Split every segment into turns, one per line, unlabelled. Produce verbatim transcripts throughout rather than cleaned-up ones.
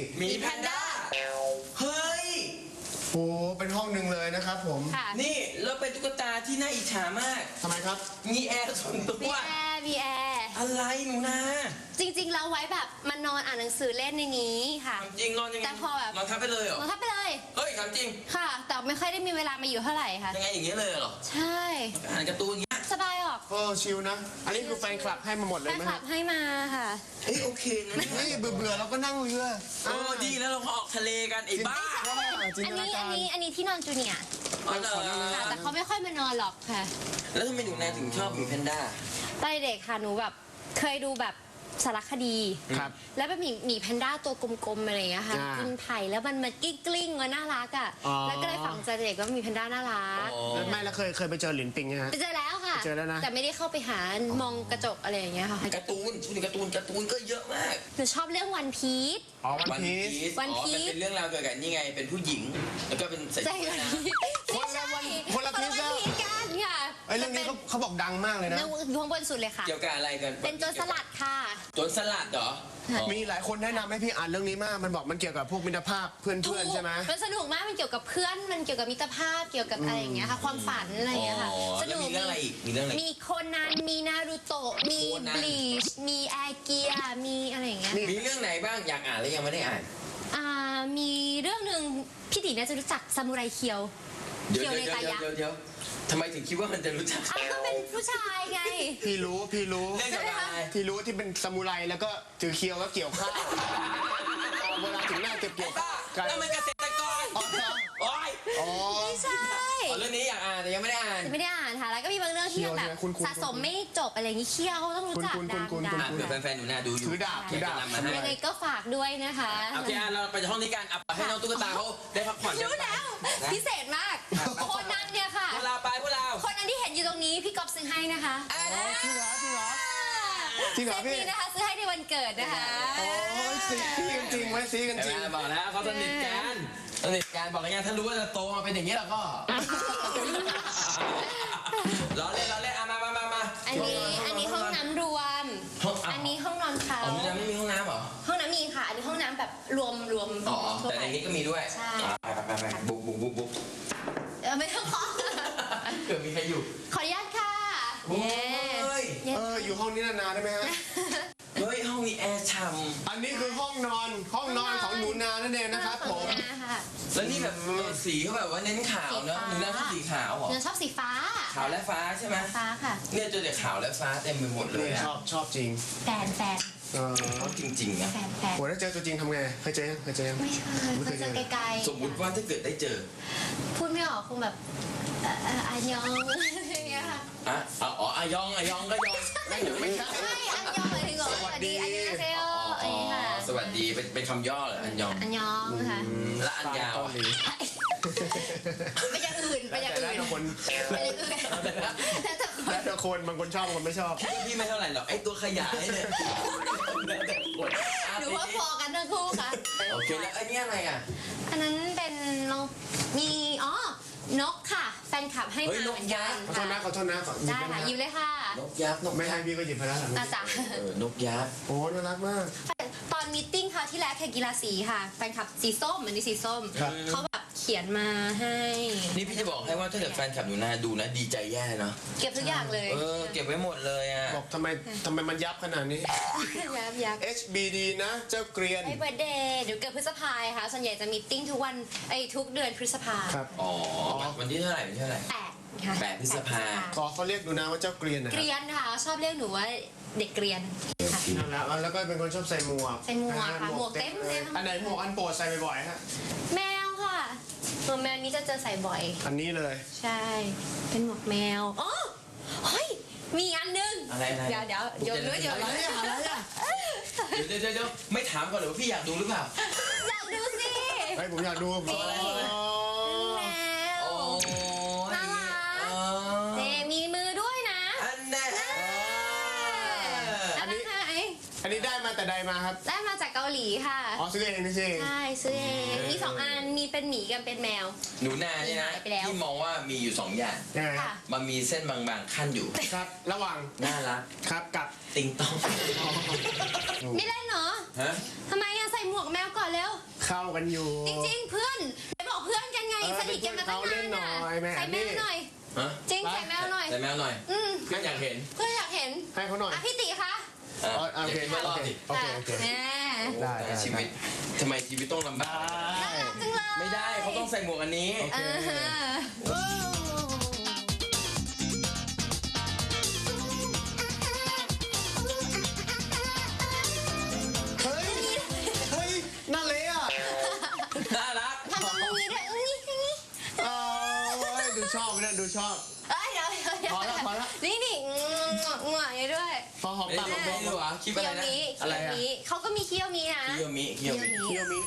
มีแพนด้าเฮ้ย
โอ้เป็นห้องหนึ่งเลยนะครับผม
นี่แล้วเป็นตุ๊กตาที่น่าอิจฉามาก
ทำไมครับ
มีแอร์ส่วนตัว
มีแอร์มีแอร์
อะไรหนูนา
จริงๆเราไว้แบบมานอนอ่านหนังสือเล่นในนี้ค่ะ
จริงนอนยังไง
แต่พอแบบ
นอนทับไปเลยเหรอน
อนทับไปเลย
เฮ้ยถามจริง
ค่ะแต่ไม่ค่อยได้มีเวลามาอยู่เท่าไหร่ค่ะ
ยังไงอย่างเงี้ยเลยเหรอ
ใช่
อ่านการ์ตูนเงี้ย
สบายออก
โอ้ชิลนะอันนี้คือแฟนคลับให้มาหมดเลยไหม
แฟนคลับให้มาค่ะ
เฮ้ยโอเคนะ
นี่เบื่อเบื่อเราก็นั่งเรือ
เออดีแล้วเราก็ออกทะเลกันไอ้บ้า
อันนี้อันนี้อันนี้ที่นอนจูเนียร์ค่ะแต่เขาไม่ค่อยมานอนหรอกค่ะ
แล้วทำไมหนูนาถึงชอบหมีแพนด้า
ตอนเด็กค่ะหนูแบบเคยดูแบบสารคดีแล้วเป็นหมีหมีแพนด้าตัวกลมๆอะไรอย่างเงี้ยค่ะกินไผ่แล้วมันมันกลิ้งกลิ้งมันน่ารักอ่ะแล้วก็เลยฝังใจเด็กว่าหมีแพนด้าน่ารัก
ไม่แล้วเคยเคยไปเจอหลินปิงไหมฮะ
ไปเจอแล้วค่ะ
เจอแล้วนะ
แต่ไม่ได้เข้าไปหามองกระจกอะไรอย่างเงี้ยค่ะ
การ์ตูนชุดการ์ตูนการ์ตูนก็เยอะมาก
หนูชอบเรื่องวันพีซ
อ๋อวันพีซ
วันพีซ
เป็นเรื่องราวเกี่ยวกับนี่ไงเป็นผู้หญิงแล้วก็เป็นใส่ชุดนะ
คนละวัน
คนละพีซ
กันค่ะ
ไอ้เรื่องนี้เขาเขาบอกดังมากเลยนะ
อยู่ข้างบนสุดเลยค่ะ
เกี่ยวกับอะไรกัน
เป็นโจรสลัดค่ะ
โจรสลัดเหรอ
มีหลายคนแนะนำให้พี่อ่านเรื่องนี้มากมันบอกมันเกี่ยวกับพวกมิตรภาพเพื่อนๆใช่ไหม
มันสนุกมากมันเกี่ยวกับเพื่อนมันเกี่ยวกับมิตรภาพเกี่ยวกับอะไรอย่างเงี้ยค่ะความฝันอะไรอย่างเงี้ยค่ะ
สนุกมีเรื่องอะไรอีกมีเรื่องอะไร
มีโคนันมีนารูโตะมีบลีชมีแอร์เกียมีอะไรอย่างเงี้ย
มีเรื่องไหนบ้างอยากอ่านแล้วยังไม่ได้อ่าน
อ่ามีเรื่องหนึ่งพี่ตีน่าจะรู้จักซามูไรเคียว
เคียวในตายักษ์เดี๋ยวทำไมถึงคิดว่ามันจะรู้จัก
อ้าวก็เป็นผู้ชายไง
พี่รู้พี่รู้
เรื่องอะไร
พี่รู้ที่เป็นซามูไรแล้วก็ถือเคียวแล้วเกี่ยวข้าวเวลาถึงหน้าเก็บเกี่ยว
แล้วมันเกษตรกรโอ้ย
ไม่ใช่
เรื่องนี้อยากอ่านแต่ยังไม่ได้อ่าน
ไม่ได้อ่านค่ะแล้วก็มีบางเรื่องที่แบบสะสมไม่จบอะไรอย่างนี้เคียวต้องรู้จักดัง
ๆเผื่อแฟนๆหนูนาดูอยู่
ถือดาบถือดาบ
ยังไงก็ฝากด้วยนะคะ
โอเคเราไปห้องนี้กันให้น้องตุ๊กตาเขาได้พักผ่อน
รู้แล้วพิเศษมากคนนั้นเนี่ยค่ะ
พวกเราไปพวกเรา
คนนั้นที่เห็นอยู่ตรงนี้พี่ก๊อฟซื้อให้นะคะ
จริงเหรอจริงเหรอ
จริงเหรอพี่นะคะซื้อให้ในวันเกิดนะคะ
โอ้ยซีกันจริงไหมซีกันจริง
บอกแล้วเขาสนิทกันสนิทกันบอกแล้วไงถ้ารู้ว่าจะโตมาเป็นอย่างนี้แล้วก็ล้อเล่นล้อเล่นมามามามา
อันนี้อันนี้ห้องน้ำรวมอันนี้ห้องนอนเขา
ห้องน้ำไม่มีห้องน้ำเหรอ
ห้องน้ำมีค่ะอันนี้ห้องน้ำแบบรวมรวม
อ๋อแต่ในนี้ก็มีด้วย
ใช่
ไปไปไปบุกบุกบุกบุก
เออไม่ต้องขอ
เกิดมีใครอยู่
ขออนุญาตค่ะ
เฮ้ย
เอออยู่ห้องนี้นานๆได้ไหมฮะ
เฮ้ยห้องมีแอร์ฉ่
ำอันนี้คือห้องนอนห้องนอนของหนูนานั่นเองนะครับผม
แล้วนี่แบบสีเขาแบบว่าเน้นขาวเนอะหนูนาชอบสีขาวเหรอ
หนูชอบสีฟ้า
ขาวและฟ้าใช่ไหม
ฟ้าค่ะ
เนี่ยเจอแต่ขาวและฟ้าเต็มไปหมดเลย
ชอบชอบจริง
แฟนแฟน
ชอบจริงๆนะ
แฟนแฟน
โหถ้าเจอตัวจริงทำไงเคยเจอยังเคยเจอยัง
ไม่เคยเคยเจอไกล
ๆสมมติว่าถ้าเกิดได้เจอ
พูดไม่ออกคงแบบอันยองอะไรอย่างเงี้ยค่ะ
อ่ะอ๋ออันยองอันยองก็ยอง
ไม่ไม่ใช่อันยองหมายถึงสวัสดีอันยองเซลอ๋อ
สวัสดีเป็นเป็นคำย่อเหรออันยอง
อันยองค่ะ
และอันยาว
ไปอย่างอื่นไปอย่างอื่น
แต่ละคนแล้วแต่คนบางคนชอบบางคนไม่ชอบ
พี่ไม่เท่าไหร่หรอกไอตัวขยายเนี่ย
หนูว่าพอกันทั้งคู่ค่ะ
โอเคแล้วอันนี้อะไรอ่ะ
อันนั้นเป็นนกมีอ๋อนกค่ะแฟนคลับให้มาเหมือนกัน
ขอโทษนะขอโทษนะ
ได้ค่ะยิ้มเลยค่ะ
นกยักษ์นก
ไม่ให้พี่ก็หยิบไปแล้ว
อาจารย์
นกยักษ์
โอ้น่ารักมาก
ตอนมีตติ้งเขาที่แล้วแข่งกีฬาสีค่ะแฟนคลับสีส้มเหมือนนี่สีส้มเขาแบบเขียนมาให้
นี่พี่จะบอกให้ว่าถ้าเกิดแฟนคลับอยู่นาดูนะดีใจแย่เนาะ
เก็บทุกอย่างเลย
เออเก็บไว้หมดเลยอ่ะ
บอกทำไมทำไมมันยับขนาดนี้
ยับยับ
เอช บี ดี นะเจ้าเกรียน
ไอ้เบอร์เดย์เดี๋ยวเกิดพฤษภาค่ะส่วนใหญ่จะมีตติ้งทุกวันไอ้ทุกเดือนพฤษภา
ครับ
อ๋อวันที่เท่าไหร่วันที่เท่าไหร่
แปดค่ะ
แปดพฤษภา
ขอเขาเรียกหนูนาว่าเจ้าเกรียนนะ
เกรียนค่ะชอบเรียกหนูว่าเด็กเกรียน
นั่นแหละแล้วก็เป็นคนชอบใส่หมวก
ใส่หมวกค่ะหมวกเต็มเลย
อันไหนหมวกอันโปรดใส่บ่อยๆฮะ
แมวค่ะหมวกแมวนี้จะเจอใส่บ่อย
อันนี้เลย
ใช่เป็นหมวกแมวอ๋อเฮ้ยมีอันนึง
อะไรอะไร
เดี๋ยวเดี๋ยวโยนด้วยโยนด้วย
อะไรอะ
เดี๋ยวเดี๋ยวเดี๋ยวไม่ถามก่อนหรือว่าพี่อยากดูหรือเปล่า
อยากดูสิ
ไอ้ผมอยากดู
แมวน่ารักเดมีมือด้วยนะ
อันนี้
อันนี้อันนี้ได้มาแต่ใดมาครับ
ได้มาจากเกาหลีค่ะ
อ๋อซื้อเองนี่สิ
ใช่ซื้อเองมีสองอันมีเป็นหมีกับเป็นแมว
หนูนาเนี่ยนะที่มองว่ามีอยู่สองอย่างมันมีเส้นบางๆขั้นอยู่
ครับระหว่าง
น่ารัก
ครับกับ
ติงตอง
ไม่เล่นเหรอ
ฮะ
ทำไมอะใส่หมวกแมวก่อนเร็ว
เข้ากันอยู่
จริงๆเพื่อนไปบอกเพื่อนกันไง
เออ
สนิทกันมาตั้ง
เป็นเพื่อนเขาเล่นหน่
นาน
อย
อ่ะ
แม่
ใส่แม
นี่
วหน่อย
ฮะ
จริงใส่แมวหน่อย
ใส่แมวหน่อย
อืม
เพื่อนอยากเห็น
เพื่อนอยากเห็น
ให้เขาหน่อย
อ่ะพี่ติคะ
อ่ะ
อ๋อโอเค
ย่าคิดว่ารอดสิ
โอเคโอเค
แหม
ได้ได้
ชีวิตทำไมชีวิตต้องลำบาก
น่ารักจังเลย
ไม่ได้เขาต้องใส่หมวกอันนี้
โอเค
เออ
เฮ้ย เฮ้ยน่าเละอ่ะ
น่ารัก
ทำตรงนี้ด้วยอุ้ยอย่างนี้
เออดูชอบนะดูชอบ
เอ้ยเดี๋ยวเดี๋ยวเดี๋ยว
พอแล้วพอแล้ว
นี่นี่งวงวงอย่างนี้ด้วย
พอหอม
ไม่
ปาก
ได้ดูไม่ได้ดูเหรอคลิปอะไรนะ
เคี้ยวนี้
อะไร
เคี้ยว
อะ
นี้เขาก็มีเคี้ยวมีนะ
เคียวมิเคียวมิ
เคี้ยวมิ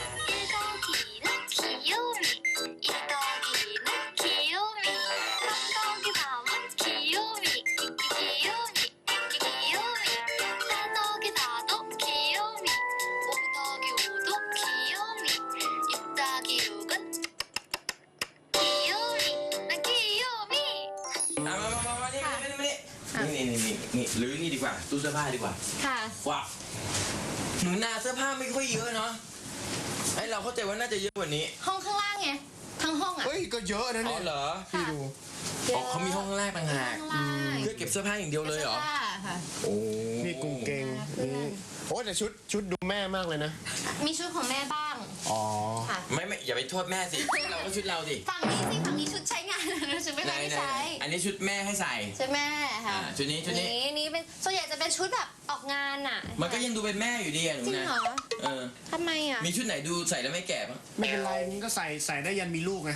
อ่ะมามามามานี่นี่นี่นี่นี่นี่นี่หรือนี่ดีกว่าตู้เสื้อผ้าดีกว่า
ค่ะ
ว้าวหนูนาเสื้อผ้าไม่ค่อยเยอะเนาะไอเราเข้าใจว่าน่าจะเยอะกว่านี้
ห้องข้างล่างไงทั้งห้องอ่ะ
เฮ้ยก็เยอะนะ
อ๋
เนี่
อย เหรอ
พี่ดู
อ๋อเขามีห้องข้างล่างต่างหาก
ข้างล่าง
เพื่อเก็บเสื้อผ้าอย่างเดียวเลยเหรอ
สื้ผ้าค่ะ
โอ้
นี่กุ้งเกงนี่โอ้แต่ชุดชุดดูแม่มากเลยนะ
มีชุดของแม่บ้าง
อ๋อ
ค่ะ
ไม่ไม่อย่าไปโทษแม่สิเราก็ชุดเราสิ
ฝั่งนี้สิฝั่งนี้ชุดใช้งาน ชุดไม่
ไหน
ค่อยได้
ไหน
ใช้
อันนี้ชุดแม่ให้ใส่
ชุดแม่ค่ะ
อ่าชุดนี้ชุดนี้
นี่นี่เป็นส่วนใหญ่จะเป็นชุดแบบออกงานอ่ะ
มันก็ยังดูเป็นแม่อยู่ดีอะหนู
จริง
นะ
เหรอ
เออ
ทำไมอ่ะ
มีชุดไหนดูใส่แล้วไม่แก่บ้าง
ไม่เป็นไรมันก็ใส่ใส่ได้ยันมีลูกไง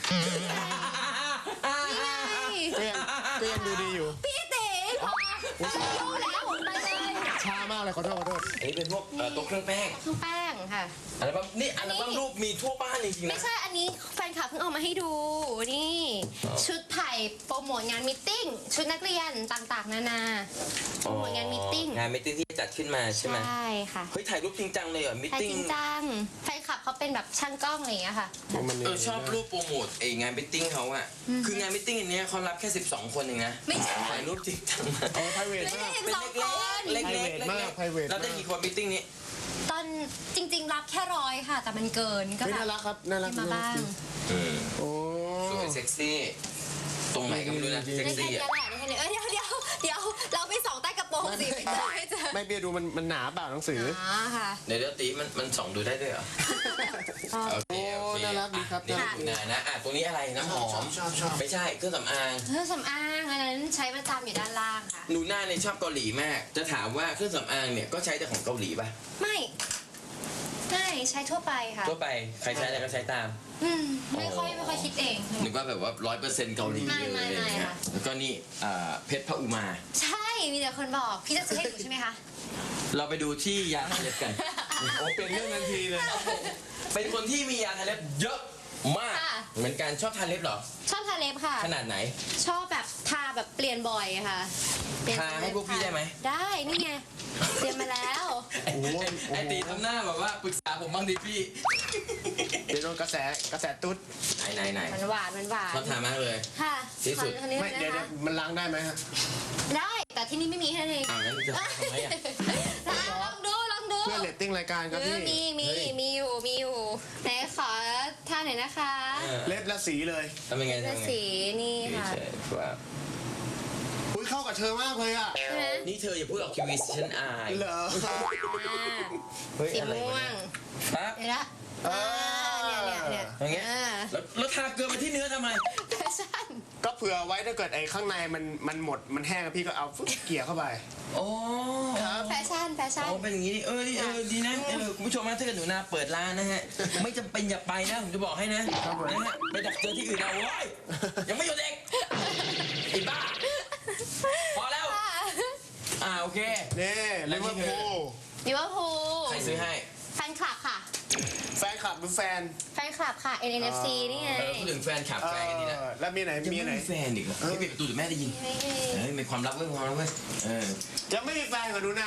นี่ไง
ก็ยังก็ยังดูดีอยู่
พี่เต๋พอรู้แล้วไปเลย
ช้ามากเลยขอโทษขอโทษ
อันนี้เป็นพวกเอ่อโต๊ะเครื่องแป้ง
เครื่องแป้งค่ะ
อัลบั้มนี่อัลบั้มรูปมีทั่วบ้านจริงๆ
ไม่
นะ
ใช่อันนี้แฟนคลับเพิ่งเอามาให้ดูนี่
อ๋อ
ชุดไผ่โปรโมทงานมิทติ้งชุดนักเรียนต่างๆ นานาโปรโมทงานมิทติ้ง
งานมิทติ้งที่จัดขึ้นมาใช่ไหม
ใช่ค่ะ
เฮ้ยถ่ายรูปจริงจังเลยเหรอมิท
ถ่าย
ติ้ง
จริงจังแฟนคลับเขาเป็นแบบช่างกล้องอะไรอย่างเงี้ยค่ะ
มัน
เออชอบรูปโปรโมทไองานมิทติ้งเขาอะคืองานมิทติ้งอันเนี้ยเขารับแค่สิบสองคนเองนะ
ไม่ใช่
ถ่ายรูปจริงจังมาก
โอ้ไพรเวท
ไม่
มา
ใช่
ก
สิบ
เป็น
สอง
เล็ก
คน
ๆเล็กๆเล็ก
private มาก
ๆ
private
เราได้กี่คนมิทติ้งนี้
ตอนจริง ๆ รับแค่ร้อยค่ะ แต่มันเกินก็
เฮ้ย
แบ
น่า
บ
รักครับน่ารัก
ให้มาบ้าง
อืม
โอ้
สวยเซ็กซี่ ตรงไหนก็ไม่รู้นะเซ็ก
ได้แค่
ซี่
เนี้ย
อะ
แหละได้แค่เนี้ยเอ้ยเดี๋ยวเดี๋ยวเดี๋ยวเราไปส่องใต้กระโปรงสิไม่เจอไม่เจอ
ไม่เบียร์ดูมันมันหนาเปล่าหนังสือ
อ๋อค่ะ
เดี๋ยวเดี๋ยวตีมันมันส่องดูได้ด้วยเหรอ โอเคโอเค
โอ้น่ารักดีครับ
อ่ะนี่คุณนานะอ่ะตรงนี้อะไรน้ำหอม
ชอบชอบ
ไม่ใช่เครื่องสำอาง
เครื่องสำอางอันนั้นใช้ประจำอยู่ด้านล่างค่ะ
หนูหน้าเนี่ยชอบเกาหลีมาก จะถามว่าเครื่องสำอางเนี่ยก็ใช้แต่ของเกาหลีป่ะ
ไม่ไม่ใช้ทั่วไปค่ะ
ทั่วไปใครใช้อะไรก็ใช้ตาม
อืมไม่ค่อยไม่ค่อยคิดเอง
นึกว่าแบบว่าร้อยเปอร์เซ็นต์เกาหลี
ไม่
เลย
ไม่
อะไรอย่าง
ไม่
เงี้ย
ค่ะ
แล้วก็นี่อ่าเพชรพระอุมา
ใช่มีแต่คนบอกพี่จะซื้อให้หนูใช่ไหมคะ
เราไปดูที่ยาทาเล็บกัน
โอ้เปลี่ยนเรื่องทันทีเลย
เป็นคนที่มียาทาเล็บเยอะมาก
ค่ะ
เหมือนกันชอบทาเล็บเหรอ
ชอบทาเล็บค่ะ
ขนาดไหน
ชอบแบบทาแบบเปลี่ยนบ่อยค่ะเปลี่ยน
ทาให้พวกพี่ได้ไหม
ได้นี่ไงเตรียมมาแล้ว
ไอ้ไอ้ไอ้ตีทำหน้าแบบว่าปรึกษาผมบ้างดิพี่
เดี๋ยวโดนกระแสกระแสตุ๊ด
ไหนไหนไหน
มันหวานมันหวาน
ชอบทามากเลย
ค่ะ
ที่สุด
ขอคนนี้
ไม่
นะ
เดี๋ยวเดี๋ย
คะ
วมันล้างได้ไหมฮะ
ได้แต่ที่นี่ไม่มีแค่นั้นเอง
อ้าวงั้นจะทำไมอ่ะ
ลองดูลองดู
เพื่อเรตติ้งรายการครับ
เอ
พี่
อมีมี
เฮ้ย
มีอยู่มีอยู่ไหนขอท่าหน่อยนะคะ
เออ
เล็บและสีเลย
ทำยังไง
เสื้อ
ทำยังไง
สีนี่ค่ะ
เฉยๆว่า
อุ้ยเข้ากับเธอมากเลยอ่ะ
ใช่ไหม
นี่เธออย่าพูดออกทีวีสิฉันอาย
เหรอ
อ่า
เฮ้ย
สี
อะไร
ม่ว
วะ
ง
เนี่ยครับ
เดี๋ยวนะ
เอ
อ่า
อ
เนี่ยเนี่ยเนี่ย
อย่างเงี้ย
อ่า
แล้วแล้วทาเกลือมาที่เนื้อทำไม
แฟชั่น
ก็เผื่อไว้ถ้าเกิดไอ้ข้างในมันมันหมดมันแห้งพี่ก็เอาฟึ๊บเกี่ยเข้าไป
โอ้
ครับ
แฟชั่นแฟชั่น
โอ้เป็นอย่างนี้นี่เออเออดีนะเออคุณผู้ชมนะถ้าเกิดหนูนาเปิดร้านนะฮะ ไม่จำเป็นอย่าไปนะผมจะบอกให้นะครับ
ผม
นะฮะไปดักเจอที่อื่นเอาโว้ยยังไม่หยุดเด็กไอ้บ้า พอแล้ว อ่าโอเค
นี่ลิเวอร์พูล
ลิเวอร์พูล
ใครซื้อให้
แฟนคลับค่ะ
แฟนคลับหรือแฟน
แฟนคลับค่ะ เอ็น เอ็น เอฟ ซี นี่ไง
เออพูดถึงแฟนขับ
เอ
แฟนกันดีนะ
อแล้วมีไหน
ยัง
มี
ไม่
ไหน
มีแฟนอีกเหรอไม่ปิดประตูเดี๋ยวแม่ได้ยิน
ไม่มี
เฮ้ยมีความลับเว้ยมีความลับเว้ยเออ
จะไม่มีแฟนกับหนูนา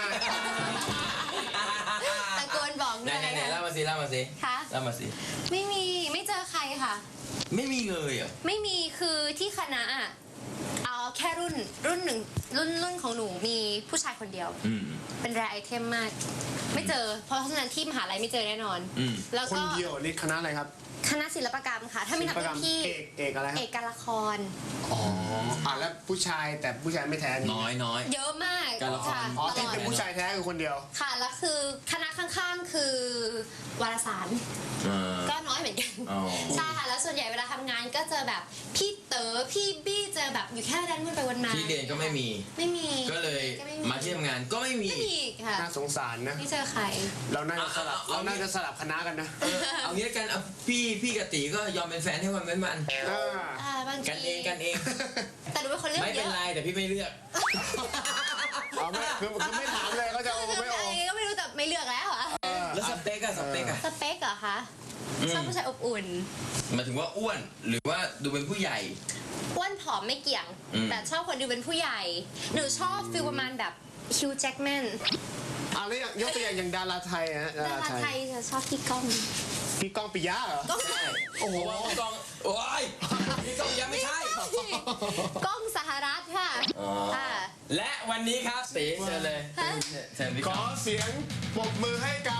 ตะโกนบอก
ไหน
ด้วย
ไหนไหนเล่ามาสิเล่ามาสิ
ค่ะ
เล่ามาสิ
ไม่มีไม่เจอใครค่ะ
ไม่มีเลยเหรอ
ไม่มีคือที่คณะอ่ะเอาแค่รุ่นรุ่นหนึ่งรุ่นรุ่นของหนูมีผู้ชายคนเดียว
อืม
เป็นแรไอเทมมาก ไม่เจอ เพราะฉะนั้นที่มหาลัยไม่เจอแน่นอน
อืม
แล้ว
คน
ก็
เดียวนี่คณะอะไรครับ
คณะศิลปกรรมค่ะ ถ้าไม่นับ
ศิลปกร
รุ่
รม
นพี่
เอกเอกอะไรค
เอ
รับ
กการละคร
อ๋ออ่ะแล้วผู้ชายแต่ผู้ชายไม่แท้มี
น้อยน้อย
เยอะมาก
การละคร
ค่ะ
อ๋อ
ต
ที่
ลอด
เป็นผู้ชายแท้คือคนเดียว
ค่ะแล้วคือคณะข้างๆคือวารสาร
เออ
ก็น้อยเหมือนกัน
อ๋อ
ใช่ค่ะ แล้วส่วนใหญ่เวลาทำงานก็เจอแบบพี่เต๋อพี่บี้เจอแบบอยู่แค่ด้านวนไปวนมา
ที่เรียนก็ไม่มี
ไม่มี
ก็เลย
ก็ไ
มาที่ทำงานก็ไม่มี
ไม่มีค่ะ
น่าสงสารนะ
ไม่เจอใคร
เราน่าจะสลับ
เอาเอา
เราน่าจะสลับคณะกันนะ
เออเอางี้ละกันเอาพี่พี่กับตีก็ยอมเป็นแฟนให้วันเว้นวัน
อ่า
อ่าบางที
กันเองกันเอง
แต่หนูเป็นคนเลือก
ไม่
เย
เป็น
อะ
ไรแต่พี่ไม่เลือก
เอาไม่คือคือไม่ถามเลยก็จะเอาไม่ออก
ก็ไม่รู้แต่ไม่เลือกแล้วอ่ะ
แล้วสเปกอะสเปกอะ
สเปคเหรอคะ
อืม
ชอบผู้ชายอบอุ่น
หมายถึงว่าอ้วนหรือว่าดูเป็นผู้ใหญ่
อ้วนผอมไม่เกี่ยง
อืม
แต่ชอบคนดูเป็นผู้ใหญ่ หนูชอบฟิลประมาณแบบฮิวแจ็คแมน
อ่ะแล้วอย่างยกตัวอย่างอย่างดาราไทยฮะ
ดาราไทยจะชอบพี่ก้อง
พี่ก้องปิยะเหรอ
ก้อง
ใช่โอ้โหพี่กองโอ้ยพี่กองยังไม่ใช่
ก้องสหรัฐค่ะ
อ๋อ
ค่ะ
และวันนี้ครับตีเชิญเลย
ฮะ
เชิญพี่
ข
ก
อ
อง
เสียงปรบมือให้กับ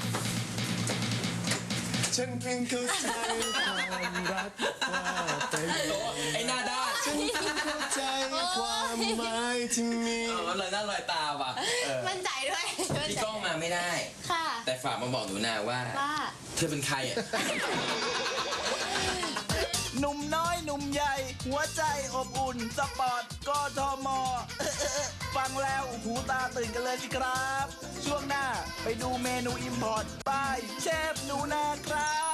ฉันเพียงเข้าใจความรักว่าเป็น
โอ้ไอ้หน้าด้าน
ฉันเพียงเข้าใจความหมายที่มี
เออลอยหน้าลอยตาว่ะเออ
มั่นใจด้วยมั่น
พี่
ใจ
ก้องมาไม่ได้
ค่ะ
แต่ฝากมาบอกหนูนาว่า
ว่า
เธอเป็นใครอ่ะ
หนุ่มน้อยหนุ่มใหญ่ หัวใจอบอุ่น สปอร์ตกทม ฟังแล้วหูตาตื่นกันเลยสิครับ ช่วงหน้าไปดูเมนูอิมพอร์ตบายเชฟหนูนาครับ